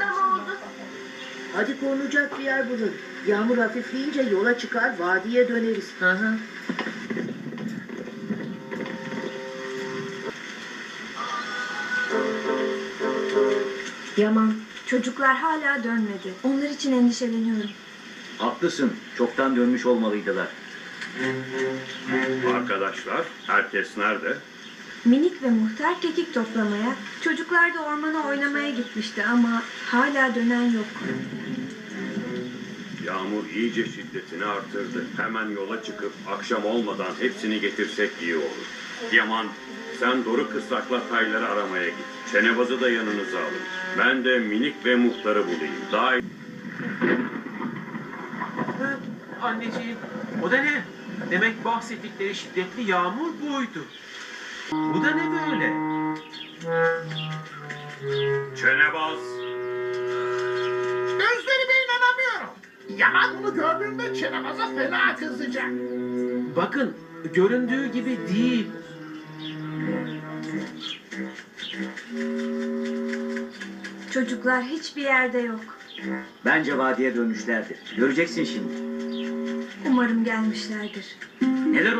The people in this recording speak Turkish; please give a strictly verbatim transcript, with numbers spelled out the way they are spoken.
patlama oldu. Hadi korunacak bir yer bulun. Yağmur hafifleyince yola çıkar, vadiye döneriz. Hı hı. Yaman, çocuklar hala dönmedi. Onlar için endişeleniyorum. Haklısın. Çoktan dönmüş olmalıydılar. Arkadaşlar, herkes nerede? Minik ve muhtar kekik toplamaya, çocuklar da ormana oynamaya gitmişti ama hala dönen yok. Yağmur iyice şiddetini artırdı. Hemen yola çıkıp akşam olmadan hepsini getirsek iyi olur. Yaman, sen Doruk kısrakla tayları aramaya git. Çenebazı da yanınıza alın. Ben de minik ve muhtarı bulayım. Daha iyi. Hı, anneciğim, o da ne? Demek bahsettikleri şiddetli yağmur buydu. Bu da ne böyle? Çenebaz! Gözlerime inanamıyorum. Yaman bunu gördüğünde Çenebaz'a fena kızacak. Bakın, göründüğü gibi değil. Çocuklar hiçbir yerde yok. Bence vadiye dönmüşlerdir. Göreceksin şimdi. Umarım gelmişlerdir. Neler